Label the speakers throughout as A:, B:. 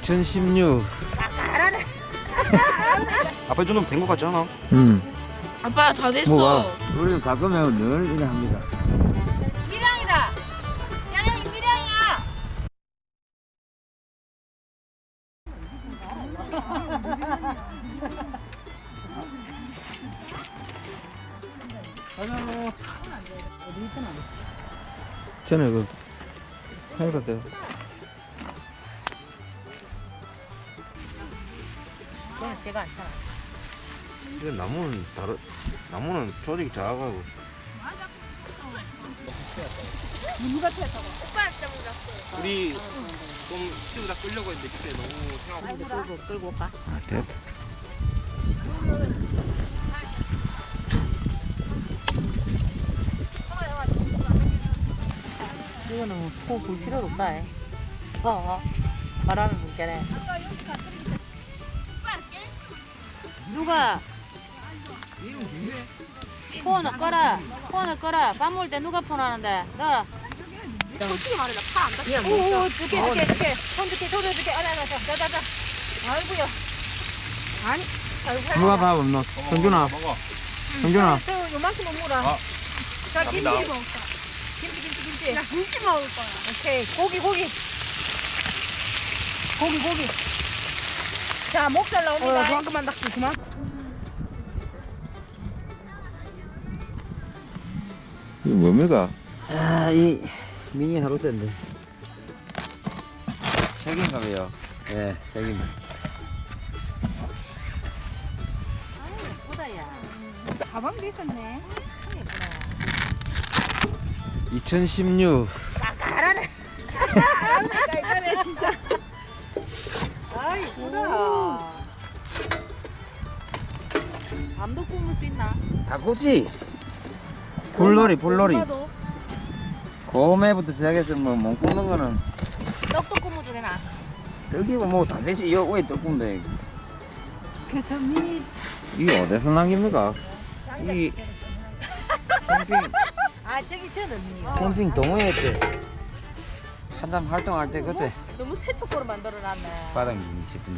A: 2016.
B: 아빠 이 정도면 된 것 같지 않아?
C: 아빠 다 됐어.
A: 뭐가? 우리는 가끔은 늘 이래 합니다.
C: 미량이다. 야야 이 미량이야.
A: 전에 그 해거든.
C: 그건 제가 안 차나.
A: 근데 나무는 조직이 작아가고.
B: 우리 좀 키우다 끌려고 했는데 그때 너무 생각.
C: 끌고 올까?
A: 아, 됐다.
C: 이거는 뭐볼 필요도 없다. 바람을 불게네. 누가 폰을 꺼라. 폰을 꺼라. 밥 먹을 때 누가 폰 하는데? 너. 솔직히 말해 나팔안 닿게. 오, 줄게. 손 줄게. 자자자. 아이고야. 아니. 아이고.
A: 누가 밥 없노? 성준아. 성준아.
C: 저 요만큼 먹어라. 자, 김치
B: 감사합니다.
C: 먹을까? 김치. 나 김치 먹을 거야. 오케이. 고기. 자, 목살 나옵니다. 그만큼만 닦지, 그만.
A: 이거 뭡니까? 아, 이 미니 하루대인데. 색인가봐요. 예, 색입니다.
C: 예쁘다, 야.
D: 가방도 있었네.
A: 2016.
C: 까까라네.
D: 이거네 진짜.
C: 아, 예쁘다. 밤도 꾸물 수 있나?
A: 닭꼬치. 불놀이.
C: 엄마도
A: 고매부터 시작해서 못 굽는 거는
C: 떡도 꾸물도 되나?
A: 떡이고 뭐 다 되지. 이거 왜 떡군데?
D: 그래서 미니
A: 이게 어디서 남깁니까? 이 캠핑
C: 아, 저기 저는
A: 캠핑 동호회 때 한참 활동할 때 그때
C: 너무 새초코로 만들어놨네.
A: 바닥이 싶은데.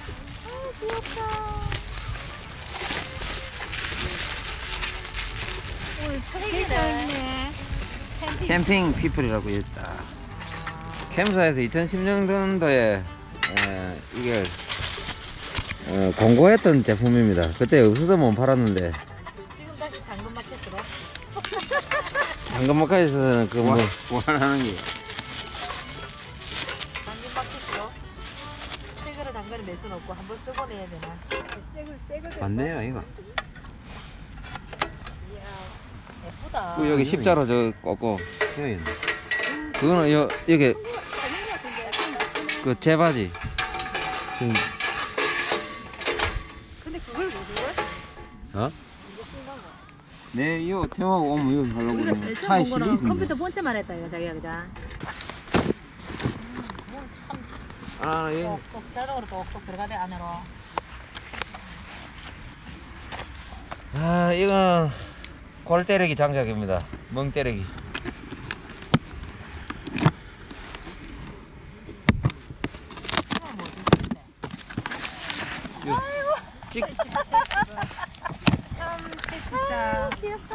D: 오늘 책이네.
A: 캠핑 피플이라고 했다. 캠사에서 2016년도에 이게 공고했던 제품입니다. 그때 없어서 못 팔았는데
C: 지금 다시 당근마켓으로.
A: 당근마켓에서는 그 뭐 보관하는 게
C: 당근마켓으로. 새거를 당근에 낼 수는 없고 한번 쓰고 내야 되나?
D: 새거
A: 맞네요 이거.
C: 예쁘다.
A: 그 여기 십자로 저 꺾고 그거는 여기 그 제바지.
C: 근데 그걸 왜 그래?
A: 어? 네, 이거 태워하고 오면 이거 하려고
D: 우리가
A: 그러면
D: 제일
A: 차에
D: 처음 본 거는
A: 실리지.
D: 컴퓨터 본체만 했다 이거 자기야 그자.
A: 아, 예.
C: 똑똑 자동으로 똑똑 들어가대 안으로.
A: 아, 이건 골 때리기 장작입니다. 멍 때리기. 찍.
D: 진짜.
C: 귀엽다.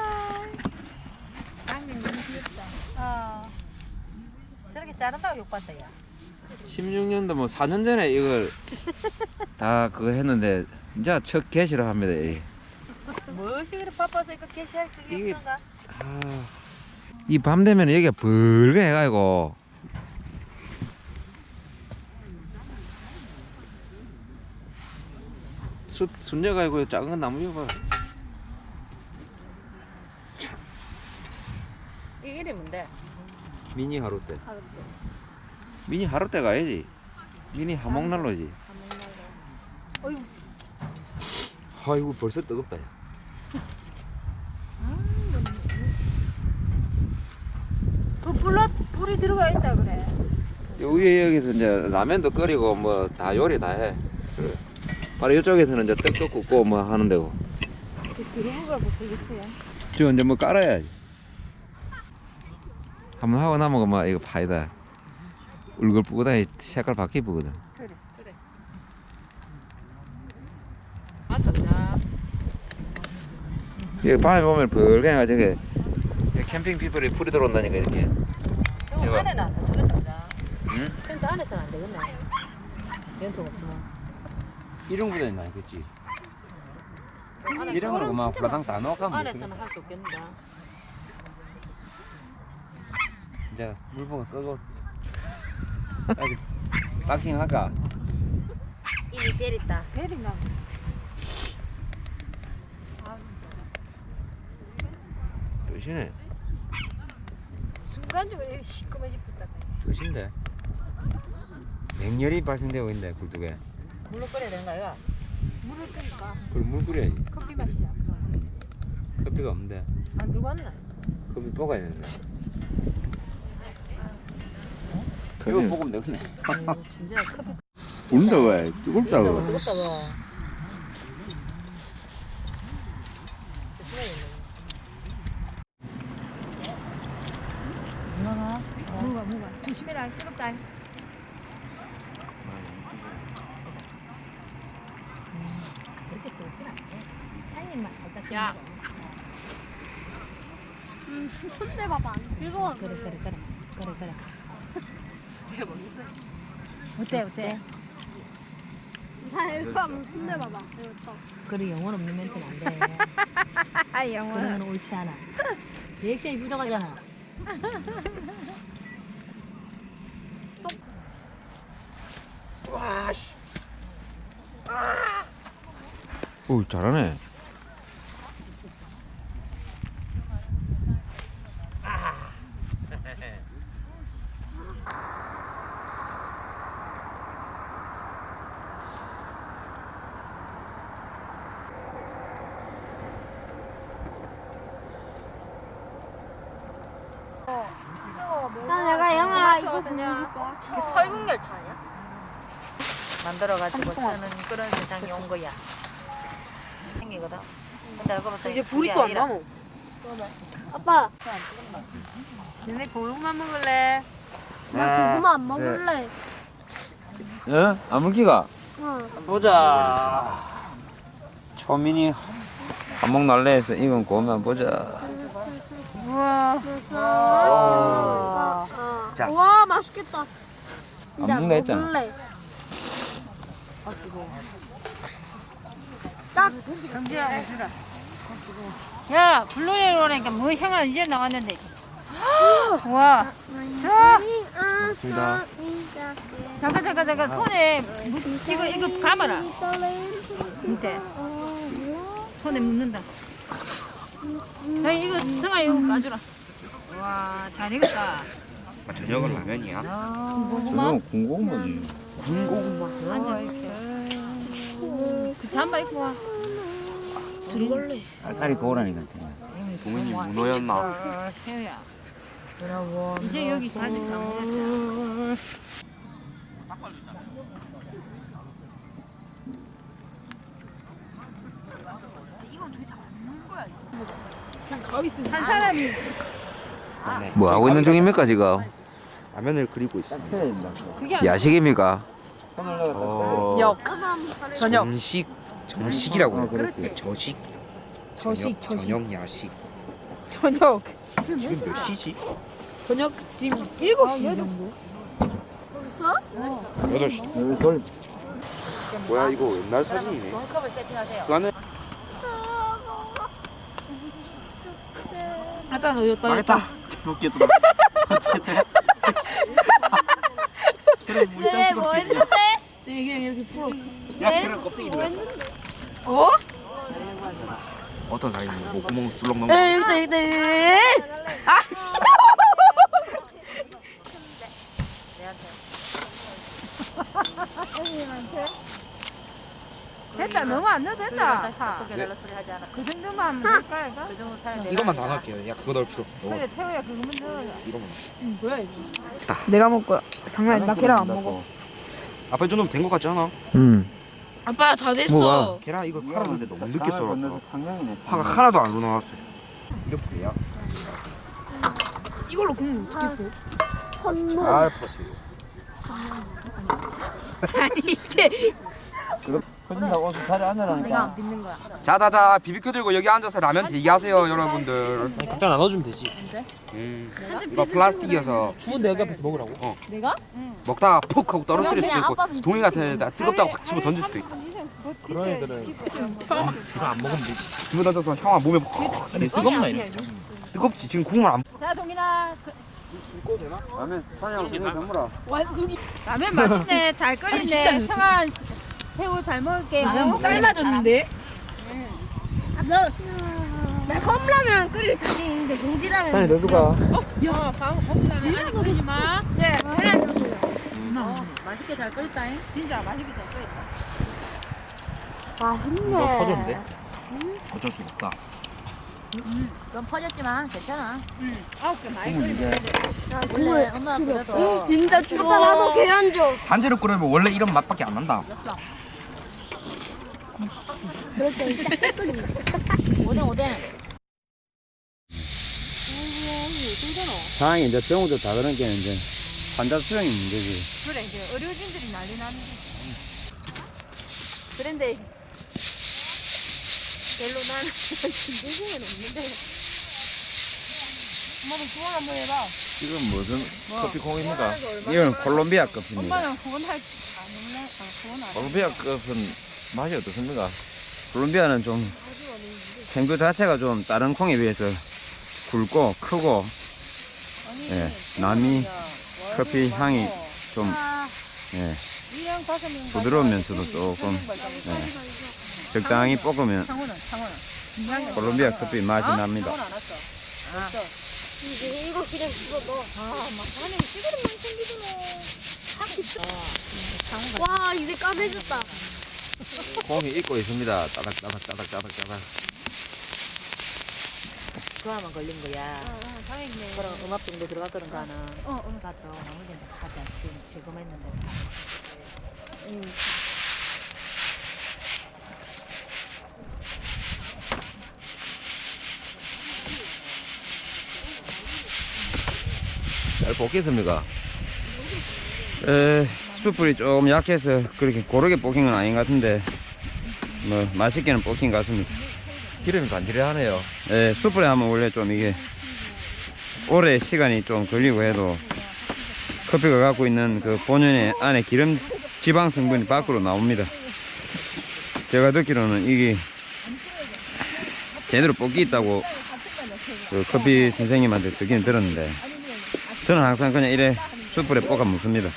D: 당면 너무 귀엽다.
C: 저렇게 자른다고 욕받다 야.
A: 16년도 뭐 4년 전에 이걸 다 그거 했는데 이제 첫 개시를 합니다. 이게.
C: 무엇이 그래 바빠서 이거 게시할 그게
A: 이게-
C: 없던가?
A: 아, 이 밤 되면 여기가 붉게 해가지고 순녀가지고 작은 건 나무 봐.
C: 이 이름이 뭔데?
A: 미니 하루대. 미니 하루대 가야지. 미니 하목난로지.
C: 어휴.
A: 아이고 벌써 뜨겁다. 야.
D: 그 불이 들어가 있다 그래.
A: 요 위에 여기서 이제 라면도 끓이고 뭐 다 요리 다 해. 그래. 바로 이쪽에서는 이제 떡도 굽고 뭐 하는 데고.
D: 그 들어가 뭐 되겠어요.
A: 저 이제 뭐 깔아야지. 한번 하고 나면 막 이거 파이다. 울긋불긋하게 색깔 바뀌거든.
C: 그래.
A: 이게 밤에 보면 벌갱이가 저게 캠핑 피플이 풀이 들어온다니까 이렇게.
C: 형
A: 대박.
C: 안에는 안 되겠다 보자.
A: 응?
C: 텐트 안에서는 안 되겠네. 연통 없으면.
B: 이런 거는 나 그치?
C: 안에서-
B: 이런 거는 막 불라당 다 넣어가면
C: 안에서는 할 수 없겠는데.
B: 이제 물봉을 끄고 아직 박싱 할까?
C: 이미 벨 있다.
D: 벨이 나.
A: 끝이네.
D: 순간적으로 이렇게 시커매집었다.
B: 끝인데 맹렬히 발생되고 있는데 굴뚝에
C: 물로 끓여야 되는 거야.
D: 물을 끄니까
B: 그럼 물 끓여야지.
D: 커피 마시자.
B: 커피가 없는데
C: 안 들고 왔나?
B: 커피 볶아야 되는데 이거
A: 그래.
B: 볶으면 되겠네.
C: 진짜 커피
A: 운다 왜? 뜨겁다고.
C: 뜨겁다 봐. 얼마나?
D: 뭐가. 조심해라. 뜨겁다.
C: 그렇게 뜨겁진 않네.
D: 한 입만 살짝.
C: 야.
D: 손대 봐봐. 즐거워.
C: 그래.
D: 어때? 자, 이거 한번 손대 봐봐.
C: 그래 영혼 없는 멘트는 안 돼.
D: 아,
C: 그런
D: 영원은.
C: 건 옳지 않아. 리액션이 부족하잖아.
A: 오 잘하네.
D: 내가 영화 이거 보여줄까?
C: 저게 설국열차 아니야? 만들어가지고 쓰는 그런 세상이 온 거야. 생기거든. 근데 알고 봤더니
D: 이제 불이 또 안 나무. 아빠,
C: 너네 고구마 먹을래?
D: 나 고구마 안 먹을래.
A: 어? 아물기가?
B: 보자. 초민이
A: 한몫 날래 해서 이건 고만 보자.
C: 우와.
B: 자.
D: 와, 맛있겠다.
A: 안 먹나 했잖아.
D: 먹을래. 딱
C: 정지야 해주라. 야 블루에로 오니까 뭐 향아 이제 나왔는데. 와.
B: 맞습니다.
C: 잠깐 손에 이거 감아라. 밑에 손에 묻는다. 야 이거 승아 이거 까주라. 와 잘 익었다.
B: 저녁은 라면이야?
C: 고구마
A: 군고구마지.
C: 앉아 이렇게. 그 잠바 입고 와.
A: 알까리 고우라니까.
B: 동현이 문어였나?
C: 태우야. 이제 여기 가죽 잘못했다. 한 사람이
A: 뭐 하고 있는 중입니까 지금?
B: 라면을 그리고 있습니다.
C: 그게 안
A: 야식입니까?
D: 역. 저녁.
B: 정식이라고 하는
C: 그렇지.
B: 저식.
D: 저식.
B: 저녁 야식.
D: 저녁.
B: 지금 몇 시지?
D: 저녁 지금 7시 정도. 벌써?
B: 8시. 뭐야 이거 옛날 사진이네.
C: 종이컵을 세팅하세요.
B: 그 안에
D: 일단 여기다
B: 망했다. 재밌겠다.
D: 네, 뭐 했는데? 이게 이렇게 풀어.
B: 야, 계란 껍데기
D: 뭐
B: 뭐야?
D: 했는데? 어?
B: 어떤 사람이 뭐 구멍 술렁 넘어?
D: 여기다. 아!
C: 됐다 너무 안 넣어도 된다. 크게 달라 소리 하지 않아. 그 정도만 하면 될까 이거? 그 정도 사야 돼.
B: 이것만 다 넣을게요. 야 그거 넣을 필요 없어.
C: 그래 태우야 그거만 넣어.
B: 이거만.
D: 뭐야 이게? 내가 먹을 거야. 장난 아니야. 나 계란 안 먹어.
B: 아빠 이 정도면 된 거 같지 않아?
D: 아빠 다 됐어.
A: 뭐가?
B: 계란 이거 팔았는데 너무 늦게 썰었어. 파가 하나도 안 우러나왔어. 이렇게 돼야?
D: 이걸로 국물 어떻게 부?
B: 잘 퍼세요.
D: 아니 이게
A: 커진다고 자리 앉으라니까.
C: 빚는 거야.
B: 자자자 비비큐 들고 여기 앉아서 라면 대기하세요 여러분들.
E: 아니 각자 나눠주면 되지.
B: 이거 플라스틱이어서
E: 추운데 여기 앞에서 먹으라고.
C: 내가?
B: 먹다가 푹 하고 떨어뜨릴 수도
C: 그냥
B: 있고
C: 아빠
B: 동이 같은 데다 뜨겁다고 확 집어 던질 수도 있고.
E: 그런 애들은 이거 안 먹으면 되지.
B: 집어 던져서 형아 몸에 푹.
E: 아니 뜨겁나 이래.
B: 뜨겁지 지금 국물 안.
C: 자, 동인아.
A: 라면 사냥 그냥 담으라.
D: 라면 맛있네. 잘 끓이네. 성한 새우 잘 먹을게요.
C: 삶아줬는데?
F: 나 컵라면 끓일 자신 있는데 봉지라면
A: 사냥 너 누가?
D: 야, 거기 라면 아니 끓이지 마.
F: 네 하나 주세요.
C: 맛있게 잘 끓였다잉.
D: 진짜 맛있게 잘 끓였다.
F: 맛있네.
E: 퍼졌는데? 어쩔 수가 없다.
C: 좀 퍼졌지만 괜찮아.
D: 9개 많이 끓이면
C: 원래 엄마 그래도
F: 진짜 아빠 나도 계란 줘.
B: 반지로 끓이면 원래 이런 맛밖에 안 난다.
C: 오뎅.
A: 상황이 이제 병원도 다 그런 게 이제 환자 수용이 문제지.
D: 그래 이제 의료진들이 난리 나는
C: 그런데
D: 별로 나는 진정성은 없는데. 엄마도 주원 한번 해봐.
A: 지금 무슨 커피 콩입니까? 이건 콜롬비아 커피입니다.
D: 엄마는 그건 할 안 먹네. 그건 안 해.
A: 콜롬비아 커피는 맛이 어떻습니까? 콜롬비아는 좀 생두 자체가 좀 다른 콩에 비해서 굵고 크고 예, 남이 커피 향이 좀 예, 부드러우면서도 조금 예, 적당히 볶으면 콜롬비아 커피 맛이 납니다.
F: 이거 그냥 집어 넣어. 와 이제 까매졌다.
A: 콩이 익고 있습니다. 따닥따닥.
C: 그거만 걸린 거야. 그럼 음압 정도 들어갔거든 가는. 가서 나머지는 다 지금 제거했는데.
A: 잘 볶겠습니까? 숯불이 조금 약해서 그렇게 고르게 볶인 건 아닌 것 같은데 뭐 맛있게는 볶인 것 같습니다. 기름이 간질하네요. 숯불에 하면 원래 좀 이게 오래 시간이 좀 걸리고 해도 커피가 갖고 있는 그 본연의 안에 기름 지방 성분이 밖으로 나옵니다. 제가 듣기로는 이게 제대로 볶기 있다고 그 커피 선생님한테 듣기는 들었는데 저는 항상 그냥 이래 숯불에 볶아 먹습니다.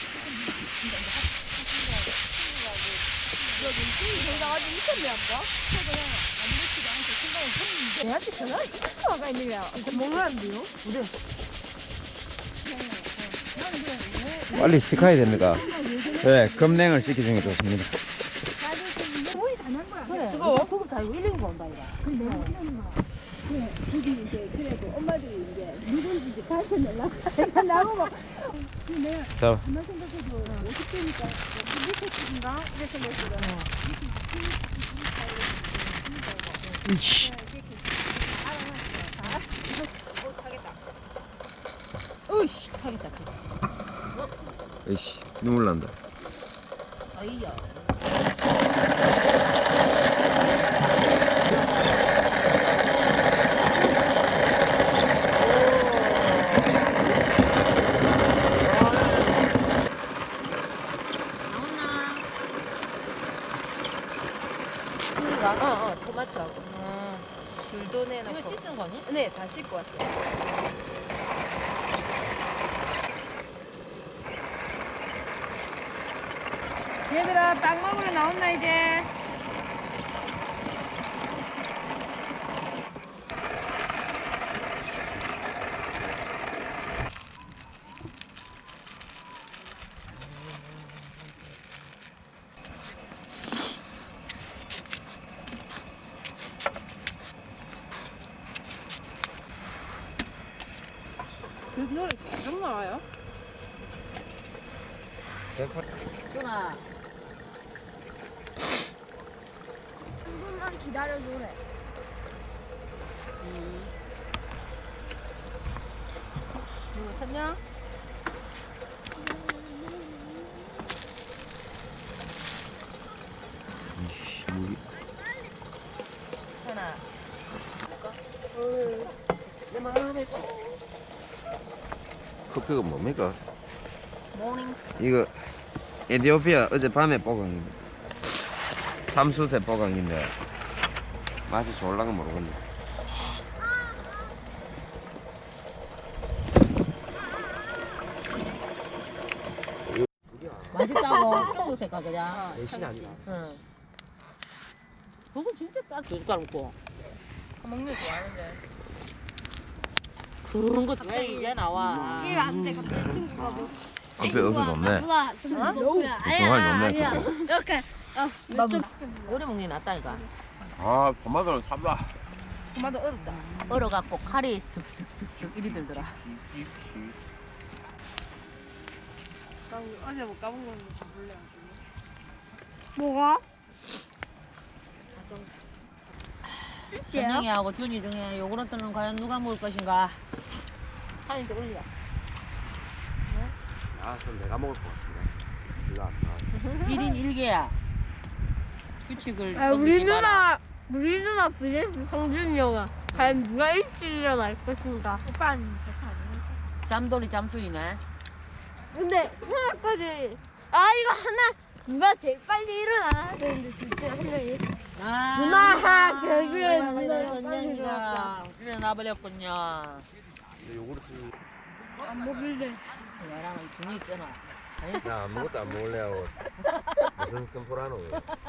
A: 빨리 식혀야 됩니다. 네, 급냉을 시키는 게 좋습니다.
C: 그거 소금 잘 1년 본다 이거.
A: 자,
C: 으이씨 타겠다.
A: 이씨 눈물 난다.
C: 아이야. 나왔나? 토마토하고. 귤도 내놓고. 이거 씻은 거니? 네, 다 씻고 왔어요.
D: 얘들아 빵 먹으러 나온나 이제. 그 노래 계속 나와요?
C: 준아.
F: 조금만 기다려줘래.
C: 누구 샀냐?
A: 커피가 뭡니까?
C: 모닝.
A: 이거 에티오피아 어젯밤에 뽀강입니다. 참수새 뽀강인데 맛이 좋을랑은 모르겠네.
C: 맛있다고 청도새가 그냥.
E: 대신 아니다.
C: 응. 그거 진짜 딱 숟가락 먹고. 먹는 거 좋아하는데. 그런 거 왜 이제 나와?
F: 이게 안 돼. 갑자기 친구가 뭐.
A: 커피 어서 좋네.
F: 누가 좀 높으면
A: 정말 좋네,
F: 아니야.
A: 커피.
F: 이렇게 좀
C: 오래 먹는 게 낫다니까.
E: 아 토마토는 참다.
C: 토마토 얼었다. 얼어갖고 칼이 슥슥슥슥 이리 들더라.
F: 어제 못 가본 건데 몰래. 뭐가?
C: 전영이하고 준이 중에 요구르트는 과연 누가 먹을 것인가? 한이 더 올려.
E: 아 그럼 내가 먹을 것 같은데. 이거 안 사.
C: 1인 1개야. 규칙을
F: 아, 우리
C: 어기지 마라.
F: 누나 vs 성준이 형아. 과연 누가 일찍 일어날 것인가? 오빠는
C: 잠돌이 잠수이네.
F: 근데 하나까지 이거 하나 누가 제일 빨리 일어나야 되는데 진짜 한 명이
C: 아,
F: 누나 결국에 누나가
C: 전영이가 일어나버렸군요.
E: 요구르트.
F: 안 먹을래.
C: 얘랑 이 분이 있잖아.
E: 야 아무것도 안 먹을래 하고 무슨 선포라노.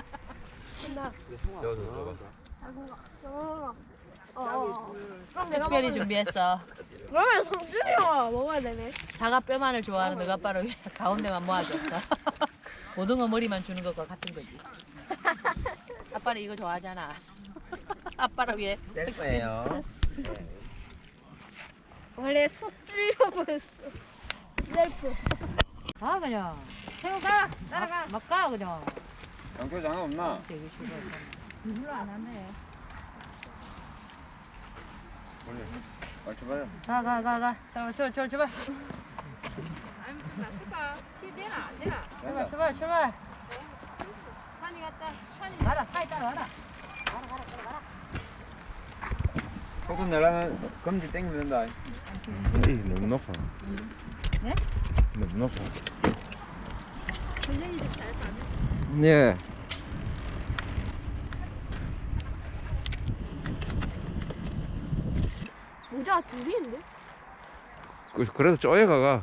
E: 저좀 줘봐.
F: 그럼 내가
C: 특별히 준비했어.
F: 그러면 성준이 형아 먹어야 되네.
C: 사과 뼈만을 좋아하는 너가 아빠를 위해 가운데만 모아줬어. 고등어 머리만 주는 것과 같은 거지. 아빠는 이거 좋아하잖아. 아빠를 위해.
E: 셀 거예요.
F: 원래 속 주려고 했어. 셀프.
C: 가 그냥. 새우 가. 따라가. 막 가 그냥.
A: 양표 장어 없나?
C: 되게 싫어.
D: 별로 안 하네.
A: 빨리 줘봐요.
C: 가. 출발.
D: 아니 무슨 낮출까? 키 되나 안 되나?
C: 출발.
D: 산이 갔다. 산이
C: 가라. 사이 따라와라.
A: 조금 내려면 검지 땡기면 된다.
E: 너무 높아.
C: 네?
E: 너무 높아.
D: 전쟁이 좀잘 가네.
A: 예.
F: 모자 둘이 있는데?
A: 그래도 쪼여가가.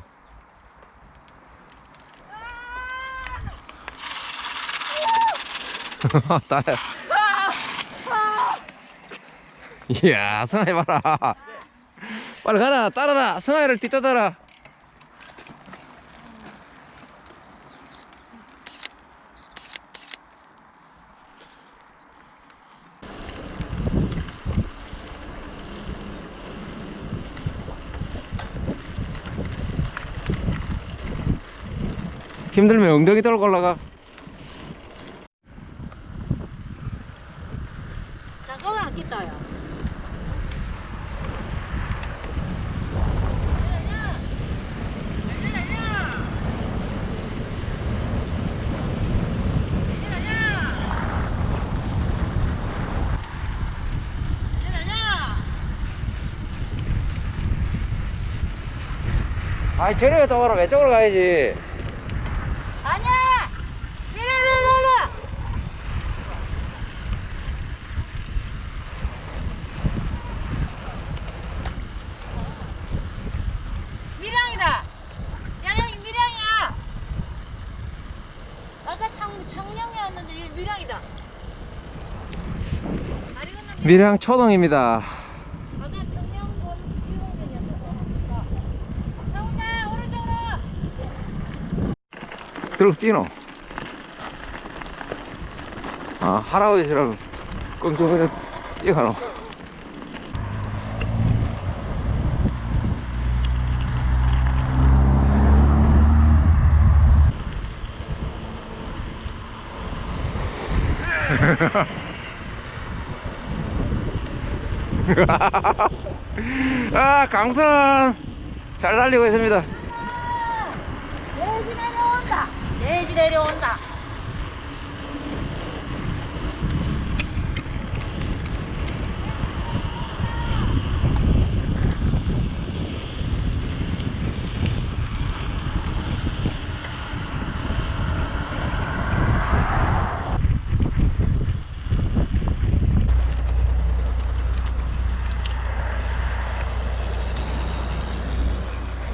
A: 따야. 이야, 성아이 봐라. 빨리 가라, 따라라. 성아이를 뒤쫓아라. 힘들면 엉덩이 떨고 올라가.
C: 잠깐만 안 낀다 야.
A: 아이, 저리 갔다 와라. 왼쪽으로 가야지.
C: 아니야. 이리. 미량이다. 야영이 미량이야. 아까 창령이었는데 이게 미량이다. 다리 건너면
A: 밀양 초동입니다.
C: 아까 창령군 1号線이었어. 나온다 오른쪽으로.
A: 들어 뛰노. 아, 할아버지처럼 끙끙거려 뛰어가노. 아, 강선 잘 달리고 있습니다.
C: 내지 내려온다.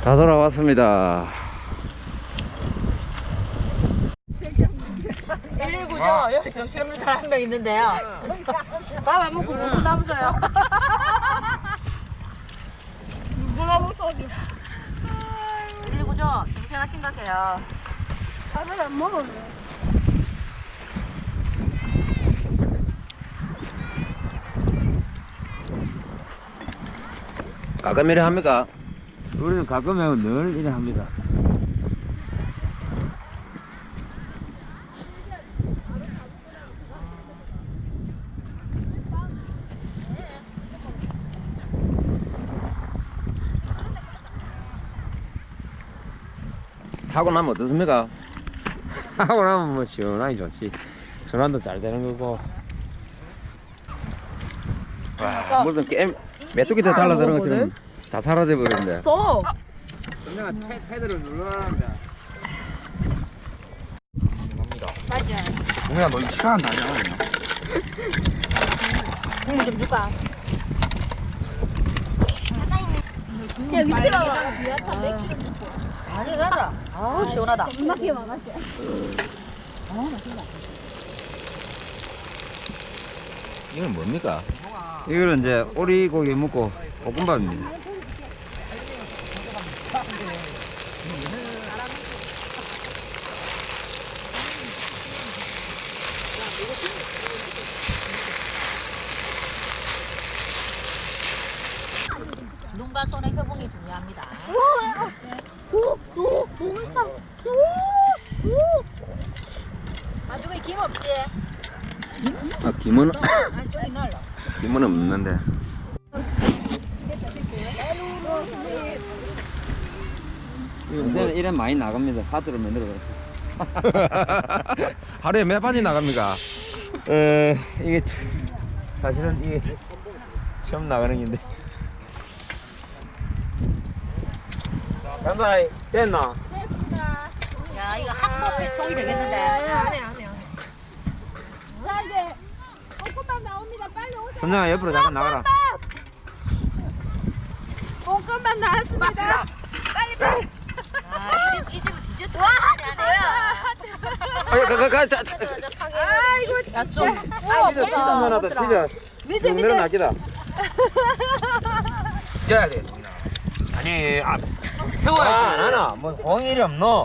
A: 다 돌아왔습니다.
C: 119죠? 여기 정신없는 사람 한 명 있는데요. 밥 안 먹고 못 남서요.
F: 누구나 써지.
C: 119죠? 정세가 심각해요.
F: 밥을 안 먹었네.
A: 가끔 이래 합니까? 우리는 가끔 하고 늘 이래 합니다. 하고 나면 어떻습니까? 하고 나면 뭐 시원하게 좋지. 전환도 잘 되는 거고. 와, 무슨 게임 메뚜기 때 달라드는 것처럼 다 사라져 버렸는데.
F: 써.
B: 선생아 패드를 눌러라는데.
A: 동현아 너 이거 시간 다 냐?
C: 국물 좀 줄까?
F: 야 밑에 봐봐.
C: 아니, 가자. 아우, 시원하다.
F: 음악이 많았어.
A: 이건 뭡니까? 이거는 이제 오리고기 묵고 볶음밥입니다.
C: 눈과 손의 협응이 중요합니다. 나중에 김 없지?
A: 아 김은
C: 안쪽이 날라.
A: 김은 없는데. 요새는 이래 많이 나갑니다. 하드로 만들어 버렸어.
E: 하루에 몇 판이 나갑니까?
A: 이게 사실은 이게 처음 나가는 건데.
B: 간다 됐나?
C: 야, 이거 학법 배총이 되겠는데.
F: 안해.
D: 자 이제 볶음밥 나옵니다. 빨리 오세요.
A: 선장아 옆으로 잠깐 나가라.
D: 볶음밥 나왔습니다. 빨리.
C: 아, 이 집은 디저트 하네.
D: 아이고
C: 야, 좀.
B: 진짜 면하다 진짜.
C: 밑에.
B: 나기다. 쪄야 돼. 아니 태워야 돼. 나나 뭐 공일이 없노.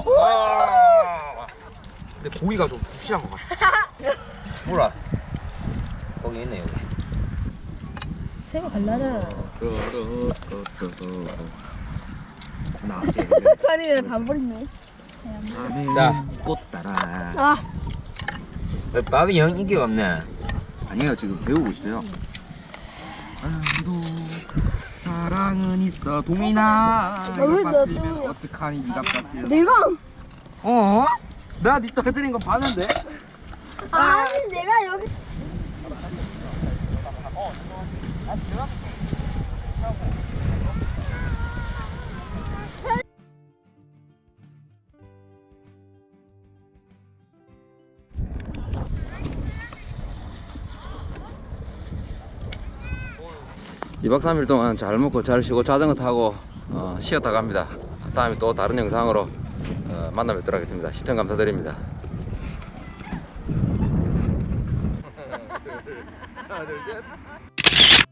B: 근데 고기가 좀 푹신한 것 같아.
A: 뭐라? 거기 있네 여기.
F: 새가 갈라져.
E: 나제
F: 파리를 다 버렸네.
A: 자.
E: 꽃 따라.
F: 아.
A: 밥이 영 인기가 없네.
E: 아니에요 지금 배우고 있어요. 아무도 사랑은 있어 동이나.
F: 왜
E: 이거
F: 나
E: 빠뜨리면
F: 때문이야?
E: 어떡하니 네가 빠뜨려.
F: 내가
E: 어? 내가 니 떨어뜨린 거 봤는데?
F: 아니 내가 여기
A: 이박 3일 동안 잘 먹고 잘 쉬고 자전거 타고 쉬었다 갑니다. 다음에 또 다른 영상으로 만나 뵙도록 하겠습니다. 시청 감사드립니다.
E: 하나 둘 셋.